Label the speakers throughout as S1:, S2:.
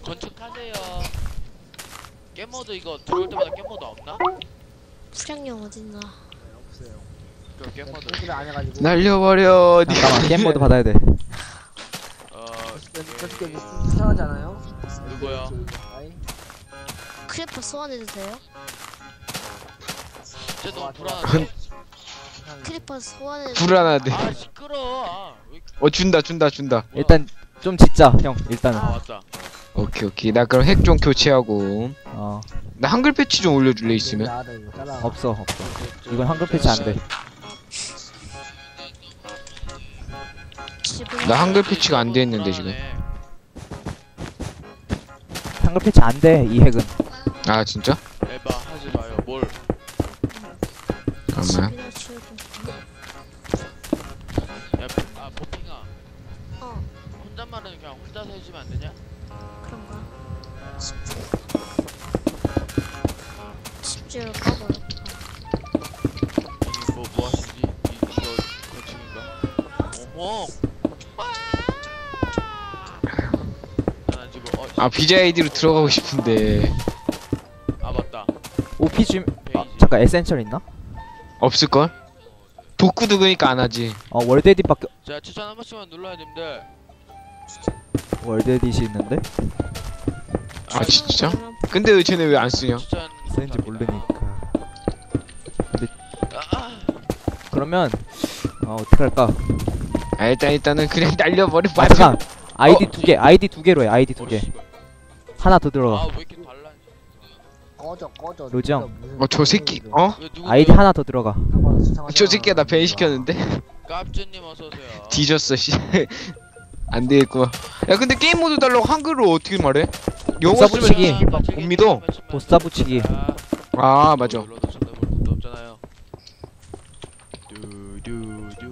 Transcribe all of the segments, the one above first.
S1: 건축하세요. 깻모드 이거 들어올 때마다 깻모드 없나?
S2: 수량용 어딨나?
S3: 없어요.
S1: 그 깻모드.
S3: 공지를 안 해가지고.
S4: 날려버려.
S5: 잠깐만 게임 모드 받아야 돼.
S3: 저렇게 수상하지 않아요?
S1: 누구요?
S2: 크리퍼 소환해도 돼요?
S1: 진짜 너무 불안한데?
S2: 크리퍼 소환해도
S4: 불안하대.
S1: 아 시끄러워. 아, 왜 이렇게-
S4: 준다.
S5: 일단 좀 짓자 형 일단은.
S1: 아 왔다.
S4: 오케이. 나 그럼 핵 좀 교체하고.
S5: 어
S4: 나 한글 패치 좀 올려줄래 있으면?
S5: 없어. 이건 한글 패치 안 돼.
S2: 집은
S4: 나 한글 패치가 안 돼 있는데 지금.
S5: 한글 패치 안 돼 이 핵은.
S4: 아 진짜?
S1: 에바 하지 마요. 뭘?
S4: 잠깐만.
S2: 집이나 치우고.
S1: 아 보핑아.
S2: 어
S1: 혼잣말은 그냥 혼자서 해주면 안 되냐?
S2: 그런가? 집주를 까버렸다.
S1: 뭐 하시지? 이거 건축인가? 어머. 나 지금
S4: 아 BJID로 들어가고 싶은데
S1: 아 맞다.
S5: OP 좀 아,
S1: 페이지.
S5: 잠깐 에센셜 있나?
S4: 없을걸? 복구도 그니까 안 하지.
S5: 월드 에딧밖에
S1: 자 추천 한 번씩만 눌러야 됩니다.
S5: 월드 에딧이 있는데
S4: 아 진짜? 근데 왜 쟤네 왜 안 쓰냐?
S1: 추천.
S5: 쓰는지 모르니까.
S1: 아,
S5: 그러면 어떻게 할까?
S4: 아 일단은 그냥 날려버려.
S5: 아 잠깐 아이디 두 개 아이디 두 개로 해 아이디 두 개. 하나 더 들어가.
S1: 아왜 이렇게 달라?
S3: 꺼져.
S5: 로지 형.
S4: 저 새끼 어?
S1: 왜 누구?
S5: 아이디 하나 더 들어가.
S4: 저 새끼가 나 밴시켰는데?
S1: 깝주님 어서 오세요.
S4: 뒤졌어 씨. 안 되겠구만. 야 근데 게임 모드 달라고 한글로 어떻게 말해? 영어
S5: 복사
S4: 쓰면
S5: 붙이기.
S4: 씨발 못 믿어.
S5: 보스다 붙이기.
S4: 아 맞아.
S1: 눌러도 쳐다볼 것도 없잖아요. 두두두.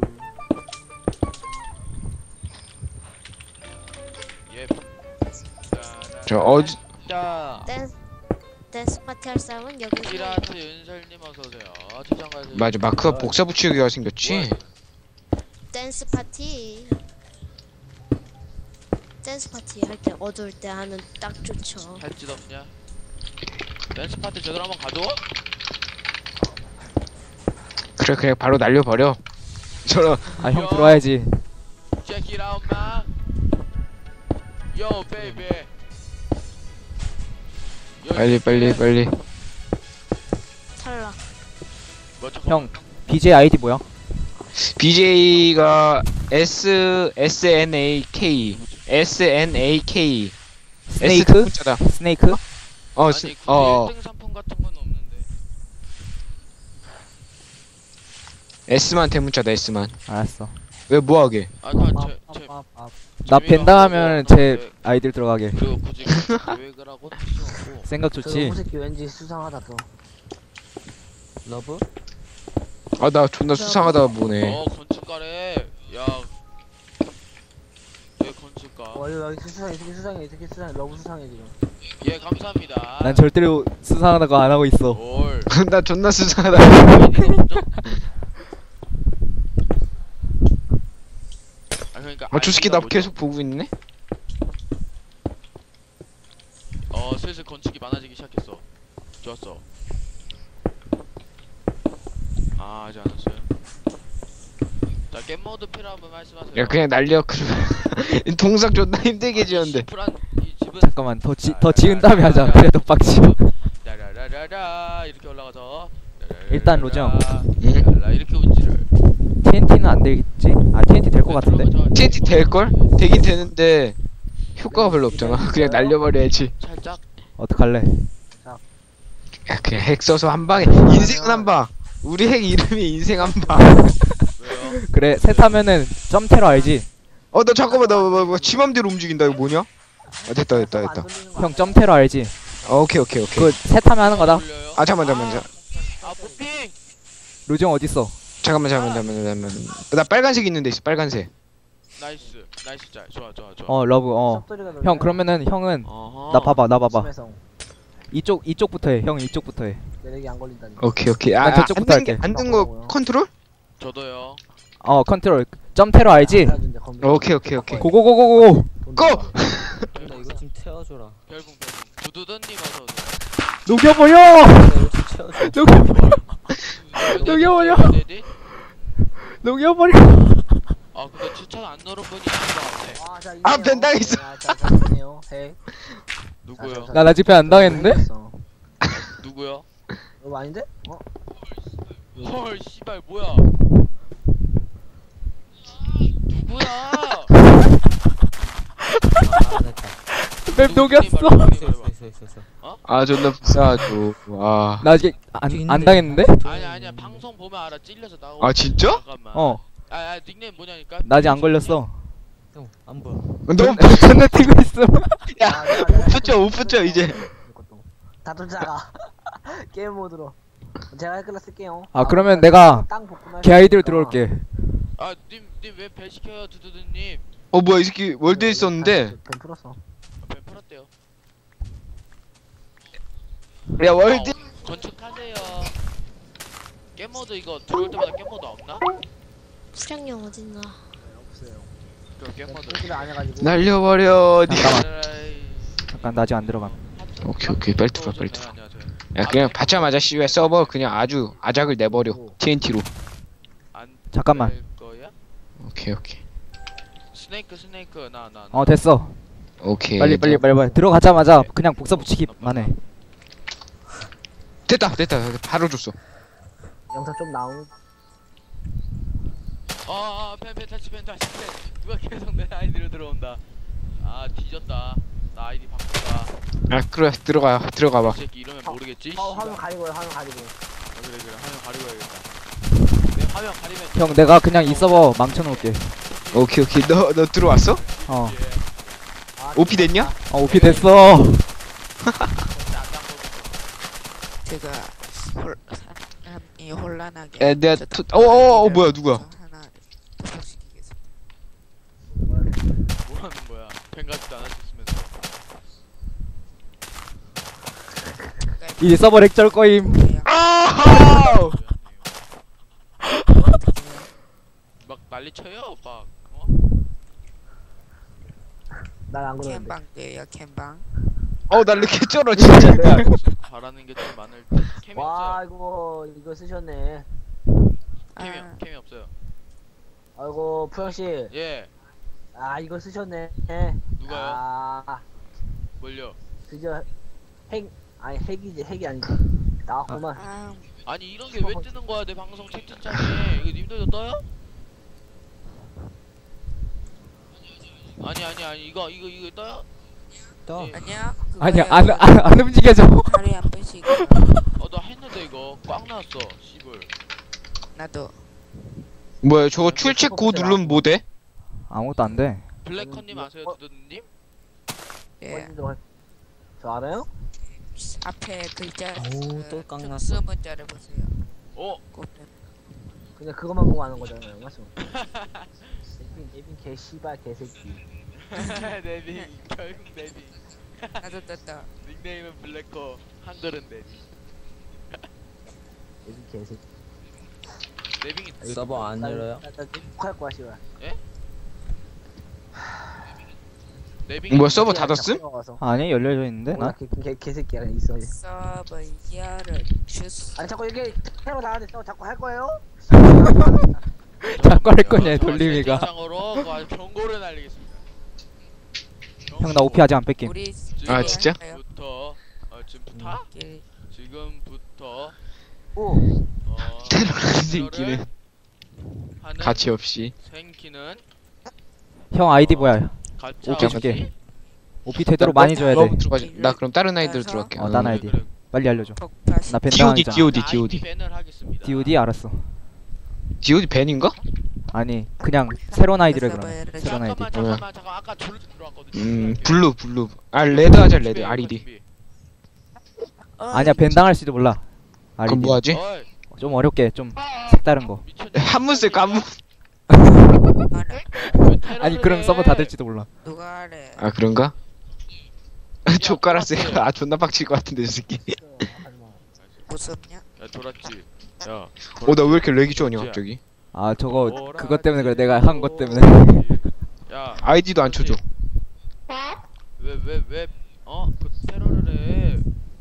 S1: 예.
S4: 저 어제
S1: 자.
S2: 댄스 파티 할 사람은 여기
S1: 피라트 윤설님 어서 오세요. 추천가세요.
S4: 맞아 마크가 복사 붙이기가 생겼지.
S2: 댄스 파티 할 때 어두울 때 하면 딱 좋죠.
S1: 할 짓 없냐? 댄스 파티 제대로 한번 가줘?
S4: 그래 그냥 바로 날려버려. 저런
S5: 아 형 들어와야지.
S1: Check it out, man. Yo, baby.
S4: 빨리.
S2: 탈락.
S1: 뭐,
S5: 형 BJ 아이디 뭐야?
S4: BJ가 SNAK
S5: 스네이크?
S4: S 문자다.
S5: 스네이크?
S4: 어,
S1: 아니,
S4: 스,
S1: 굳이
S4: 어,
S1: 1등 상품 같은 건 없는데.
S4: S만 대문자다 S만.
S5: 알았어.
S4: 왜 뭐하게?
S1: 아, 제
S5: 나 벤당하면 제 아이디를 들어가게.
S1: 그리고 굳이 계획을 하고 할 수 없고.
S5: 생각
S3: 저
S5: 좋지.
S3: 호새끼 왠지 수상하다 또. 러브?
S4: 아 나 존나 수상하다 보네.
S1: 건축가래. 야. 왜 건축가?
S3: 여기 수상해. 러브 수상해 지금.
S1: 예, 감사합니다.
S5: 난 절대로 수상하다고 안 하고 있어.
S1: 뭘?
S4: 나 존나 수상하다.
S1: 아, 그러니까
S4: 저 새끼 나
S1: 아이디가
S4: 계속 보고 있네.
S1: 슬슬 건축이 많아지기 시작했어. 좋았어. 아, 아직 안 왔어요. 자, 겜모드 필요한 분 말씀하세요.
S4: 야 그냥 날려. 그러면 동작 존나 힘들게 지었는데.
S1: 시프란 이 집은
S5: 잠깐만 더 지은 다음에 하자. 그래 더 빡치.
S1: 라라라라라 이렇게 올라가서
S5: 일단 로정.
S1: 라라라 이렇게 운지를
S5: TNT는 안 되겠지? 아 TNT 될 것 같은데?
S4: TNT 될걸? 되긴 되는데 효과가 별로 없잖아. 그냥 날려버려야지.
S1: 살짝
S5: 어떡할래?
S4: 야 그냥 핵 써서 한 방에 인생은 한 방. 우리 핵 이름이 인생 한 방.
S1: 왜요?
S5: 그래 셋 하면은 점테러 알지?
S4: 나 잠깐만 나 지맘대로 움직인다. 이거 뭐냐? 됐다.
S5: 형 점테러 알지?
S4: 오케이.
S5: 그거 셋 하면 하는 거다.
S1: 돌려요?
S4: 아 잠깐만.
S1: 아 보핑
S5: 로정 어딨어?
S4: 잠깐만. 나 빨간색 있는데 있어. 빨간색.
S1: 나이스 짤 좋아
S5: 러브 형 그러면은 형은
S1: 어허.
S5: 나 봐봐
S3: 심해성.
S5: 이쪽부터 해. 형 이쪽부터 해.
S3: 내력이 안 걸린다니.
S4: 오케이.
S5: 난 저쪽부터 할게.
S4: 안든 거 컨트롤?
S1: 저도요.
S5: 컨트롤 점테러 알지?
S4: 오케이.
S5: 고고고고고.
S4: 고!
S3: 이거 좀 채워줘라.
S1: 별풍 두두두님 어서 오세요.
S5: 녹여버려!
S3: 채워줘.
S5: 녹여버려!
S1: 네네.
S5: 녹여버려!
S1: 아 근데 추천 안 누른 분이 있는 것 같네.
S3: 자,
S4: 아,
S3: 있네요.
S4: 벤당했어.
S3: 자, 있네요. 해.
S1: 누구요?
S5: 나 집회 안 당했는데?
S1: 누구요?
S3: 이거 아닌데? 어?
S1: 헐 씨발 뭐야? 누구야?
S3: 아, 됐다.
S5: 맵 녹였어!
S3: 있어.
S4: 아 존나 불쌍하죠. 와.
S5: 나 아직 안 당했는데?
S1: 아니야 방송 보면 알아. 찔려서 나오고.
S4: 아 진짜?
S1: 잠깐만.
S5: 어,
S1: 아 닉네임 뭐냐니까?
S5: 나 아직 안 걸렸어.
S3: 형, 안 보여.
S4: 너무
S5: 존나 튀고 있어.
S4: 야, 오프죠 오프죠 이제.
S3: 다들 작아. 게임 모드로. 제가 헷갈려 쓸게요.
S5: 아, 그러면 내가
S3: 땅 복구만
S5: 걔 아이디로
S3: 했으니까.
S5: 들어올게.
S1: 아님 왜 배 시켜요 두두두님?
S4: 어 뭐야 이 새끼 월드에 있었는데.
S3: 벤 풀었어.
S1: 배 풀었대요.
S4: 야 월드.
S1: 건축하세요. 겜모드 이거 들어올 때마다 겜모드 없나?
S2: 수량용 어딨나?
S3: 없어요.
S1: 그 겜모드.
S3: 풀기를 안 해가지고.
S4: 날려버려. 니.
S5: 잠깐만.
S1: 에라이.
S5: 잠깐, 나 아직 안 들어감.
S4: 오케이 빨리 들어와 빨리 들어와.
S1: 안녕하세요.
S4: 야 그냥 받자마자 씨왜 서버 그냥 아주 아작을 내버려. TNT로.
S1: 안
S5: 잠깐만.
S1: 될 거야?
S4: 오케이.
S1: 스네이크 나.
S5: 어, 됐어.
S4: 오케이.
S5: 빨리. 들어가자마자 그냥 복사 붙이기만 해.
S4: 됐다. 바로 줬어.
S3: 영상 좀 나온.
S1: 펜 다시 누가 계속 내 아이디로 들어온다. 아 뒤졌다. 나 아이디 바꾼다.
S4: 아 그래 들어가봐.
S1: 이 새끼 이러면 모르겠지?
S3: 화면 가리고요, 화면 가리고.
S1: 그래 화면 가리고 해야겠다. 내 화면 가리면
S5: 형, 내가 그냥 이 서버 망쳐놓을게.
S4: 오케이. 너 들어왔어?
S5: 어,
S3: 아,
S4: OP 됐냐?
S5: 오피 됐어.
S6: 제가 사람이 혼란하게
S4: 에 내가 뭐야 누구야?
S6: 하나 도착시키겠습니다.
S1: 뭐하는 거야? 펜 같지도 않았으면서.
S5: 이 서버 렉절 거임.
S4: 아!
S1: 막 난리 쳐요 막.
S3: 난안 그러는데.
S6: 캠방이에요 캠방.
S4: 날 이렇게 쩔어 진짜. 내가.
S1: 바라는 게 좀 많을 때. 캠이
S3: 와,
S1: 없어요.
S3: 이거 쓰셨네.
S1: 캠이 없어요.
S3: 아이고, 푸영씨.
S1: 예.
S3: 아, 이거 쓰셨네.
S1: 누가요?
S3: 아,
S1: 뭘요?
S3: 드디어 핵이 아니지. 나왔구만.
S6: 아
S1: 아니 이런 게 왜 뜨는 거야 내 방송 채팅창에? 이거 님들도 떠요? 아니 이거 떠요?
S3: 떠.
S1: 예.
S6: 아니야.
S5: 아니야, 안 움직여져.
S6: 하루에 한 번씩.
S1: 나 했는데 이거 꽉 나왔어. 씨불.
S6: 나도.
S4: 뭐야 저거 출첵 고 누르면 뭐 돼?
S5: 아무것도 안 돼.
S1: 블랙컨님 아세요 두두님?
S6: 예.
S3: 저 알아요?
S6: 앞에 글자
S3: 어우, 또 깡났어.
S6: 특수 문자를 보세요. 꼭
S3: 그냥 그것만 보고 하는 거잖아요, 맞죠? 네빈 개 씨발 개새끼.
S1: 네빙 결국 네빙.
S6: 나도 떴다.
S1: 닉네임은 블랙커 한글은 네빙.
S3: 네빈 개새끼.
S1: 네빙이
S7: 서버 안 열어요?
S3: 나 욕할 거야, 씨발.
S1: 네빙이
S4: 뭐야 서버 닫았음?
S5: 아니, 열려져 있는데, 나?
S3: 개새끼야, 있어.
S6: 서버 열을 주스.
S3: 아니, 자꾸 이렇게 테러 나한테 자꾸 할 거예요?
S5: 자꾸 할 거냐, 돌림이가.
S1: 채팅창으로 아주 경고를 날리겠습니다.
S5: 형, 나 오피 아직 안 뺄게.
S6: 우리
S4: 아, 진짜?
S1: 지금부터 지금부터
S3: 오,
S4: 테러라는
S1: 테러를
S4: 새끼는
S1: 하는
S4: 가치 없이.
S1: 생기는
S5: 형, 아이디 뭐야?
S1: 가짜
S5: 오케이,
S1: 없이
S5: 줄게. 오피 되도록 많이 줘야 돼.
S4: 너무 들어가지. 나 그럼 다른 아이디로 들어갈게.
S5: 어, 딴 아이디. 빨리 알려줘.
S6: 폭파시.
S5: 나
S4: DOD
S5: 벤당하잖아.
S4: DOD
S1: 아이디
S4: DOD
S1: 밴을 하겠습니다.
S5: DOD 알았어.
S4: DOD 밴인가?
S5: 아니, 그냥 새로운 아이디래, 그럼. 새로운 아이디.
S1: 잠깐만 아까 졸 들어왔거든요.
S4: 블루. 아 레드 하자 레드 RED.
S5: 아니야, 벤당할 수도 몰라.
S4: 그럼
S5: 아이디.
S4: 뭐 하지?
S1: 어이
S5: 좀 어렵게, 좀 색다른 거.
S1: 미쳤냐?
S4: 한문 쓸까 한문?
S1: 왜 테러를
S5: 아니, 그럼
S1: 해?
S5: 서버 닫을지도 몰라.
S6: 누가 하래?
S4: 아 그런가? 족가라 쓰니까 아 존나 빡칠 것 같은데 저 새끼.
S6: 무섭냐?
S1: 야 돌았지. 야.
S4: 나 왜 이렇게 렉이 좋냐 갑자기?
S5: 아, 저거,
S1: 돌았지.
S5: 그것 때문에 그래. 내가 한 것 때문에.
S1: 야
S4: 아이디도 안 쳐줘.
S1: 그 테러를 해.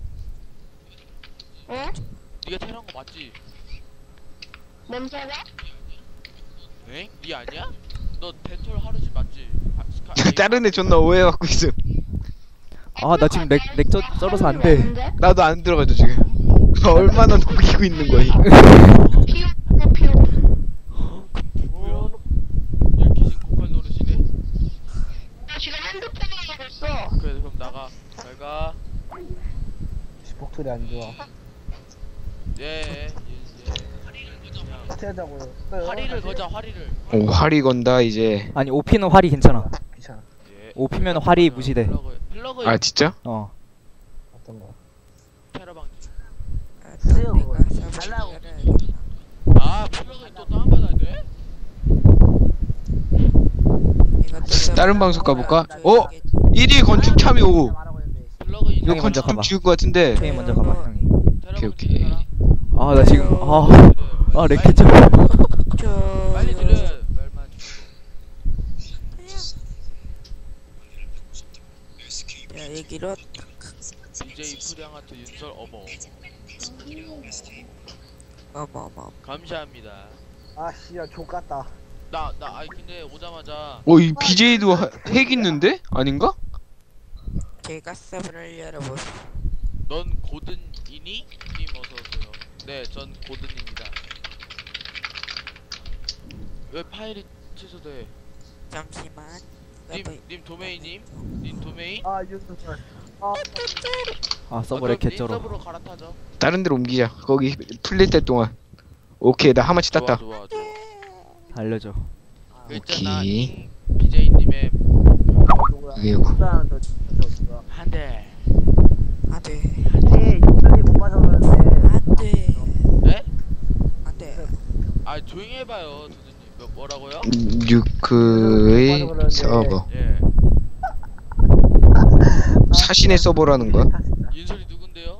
S7: 응?
S1: 네가 테러한 거 맞지?
S7: 뭔 소리야?
S1: 엥? 네 아니야? 너 덴톨 하루지 맞지?
S4: 다른 애 존나 오해갖고 있음.
S5: 아 나 지금 렉 쩔어서 안 돼.
S4: 나도 안 들어가죠 지금. 얼마나 녹이고 있는 거야.
S7: 피우.
S1: 뭐야? 야 귀신 고칼 노릇이네?
S7: 나 지금 핸드폰으로 하고 있어.
S1: 그래 그럼 나가. 잘가.
S3: 복토리 안 좋아.
S1: 예.
S3: 어떻게 하자고요?
S1: 화리를 거자 화리를.
S4: 오 활이 건다 이제.
S5: 아니 오피는 활이 괜찮아.
S3: 귀찮아.
S1: 예.
S5: 오피면 활이 무시돼.
S1: 플러그
S4: 아 진짜?
S5: 어.
S3: 어떤 거?
S1: 테러 방지.
S3: 쓰요,
S6: 내가
S3: 그거.
S6: 사업을
S3: 달라고.
S6: 열어야겠다.
S1: 아 플러그 또 다운받아야 돼?
S6: 이것도
S4: 다른
S6: 좀
S4: 방송 가볼까?
S6: 줘야겠지.
S4: 1위 건축 참여.
S3: 말하고 있는데.
S1: 플러그
S4: 이거
S5: 형이 먼저
S4: 건축 좀
S5: 가봐.
S4: 지울 것 같은데.
S5: 형이 먼저 가봐 형이.
S1: 테러
S4: 오케이,
S1: 방지 사람?
S5: 아 나 지금 렉
S1: 빨리
S5: 쩔어.
S1: 빨리 들려. 말만.
S6: 야 얘기로
S1: DJ 프량아트 윤설
S6: 어머
S1: 감사합니다.
S3: 아 씨야 족같다.
S1: 나 아니 근데 오자마자
S4: 이 BJ도 핵 있는데? 아닌가?
S6: 제가 서버를 열어보.
S1: 넌 고든이니? 님 어서오세요. 네, 전 고든입니다. 왜 파일이 취소돼?
S6: 잠시만.
S1: 님 도메인님? 님 도메인?
S3: 아 유튜브. 아
S5: 아 서버
S1: 그럼
S5: 렉
S1: 님
S5: 개쩔어.
S1: 서버로 갈아타죠.
S4: 다른 데로 옮기자. 거기 풀릴 때 동안. 오케이 나 하마치 땄다.
S1: 좋아.
S5: 알려줘.
S1: 있잖아.
S4: 오케이.
S1: BJ님의
S4: 그게
S3: 누가 더 누가?
S1: 한 대.
S6: 안돼
S3: 네 유튜브 못 봐서 그러는데.
S6: 안돼
S1: 네?
S6: 안돼.
S1: 아 조용히 해봐요, 도준님. 뭐라고요?
S4: 뉴크의 서버.
S1: 예.
S4: 사신의 서버라는 거야?
S1: 윤설이 누군데요?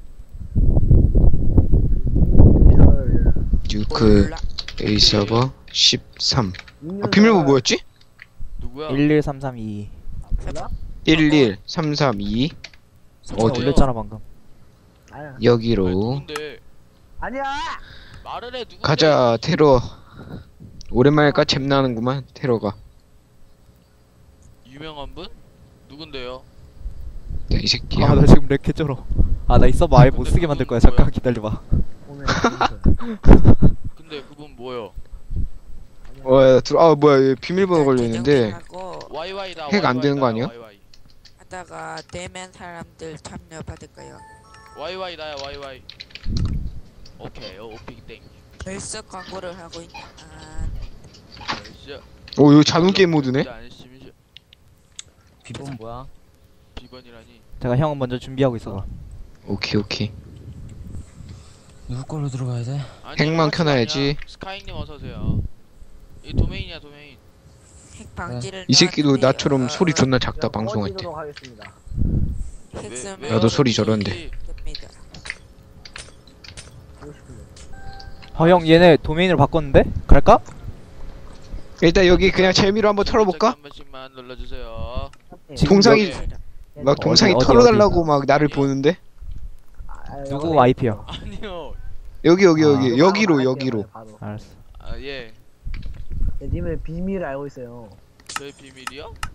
S4: 뉴크의 서버 13. 비밀번호 뭐였지?
S1: 누구야?
S5: 11332.
S3: 몰라?
S4: 11332. 어디?
S5: 올렸잖아 방금.
S3: 아니야.
S1: 아,
S4: 여기로
S1: 누군데?
S3: 아니야.
S1: 말을 해 누군데?
S4: 가자. 테러. 오랜만일까? 잼나는구만 테러가.
S1: 유명한 분? 누군데요?
S4: 야, 이 새끼야.
S5: 아 나 지금 렉 개쩔어. 아 나 이 서버 아예 못 쓰게 만들 거야. 잠깐 기다려봐.
S3: 오늘
S1: 근데 그분 뭐요?
S4: 야, 뭐야 얘 비밀번호 걸려있는데
S1: YY다.
S4: 핵안 되는 거 아니야?
S1: YY.
S6: 하다가 대면 사람들 참여 받을까요?
S1: YY 나야 YY. 오케이. 오케이 땡.
S6: 벌써 광고를 하고 있나?
S4: 이거 자동 게임 모드네?
S8: 비번 뭐야?
S1: 비번이라니.
S5: 제가 형은 먼저 준비하고 있어봐.
S4: 오케이.
S8: 누구 걸로 들어가야 돼?
S1: 아니,
S4: 핵만
S1: 같이
S4: 켜놔야지.
S1: 아니야. 스카이님 어서 오세요. 이 도메인이야 도메인.
S6: 핵 방지를
S4: 이 새끼도
S6: 놔두세요.
S4: 나처럼 소리 존나 작다 방송할 때.
S3: 꺼지도록 하겠습니다.
S6: 핵 쓰면
S4: 나도 소리 저런데.
S6: 됩니다.
S3: 보고 싶은데.
S5: 형 얘네 도메인으로 바꿨는데? 갈까?
S4: 일단 여기 그냥 재미로 한번 털어볼까?
S1: 한 번씩만 눌러주세요.
S5: 지금
S4: 동상이
S1: 여기-
S4: 막 동상이
S5: 어디,
S4: 털어달라고 막 나를 보는데
S5: 누구 IP야?
S1: 아니요.
S4: 여기로
S3: 바로.
S5: 알았어.
S1: 아 예.
S3: 님의 비밀을 알고 있어요.
S1: 저의 비밀이요?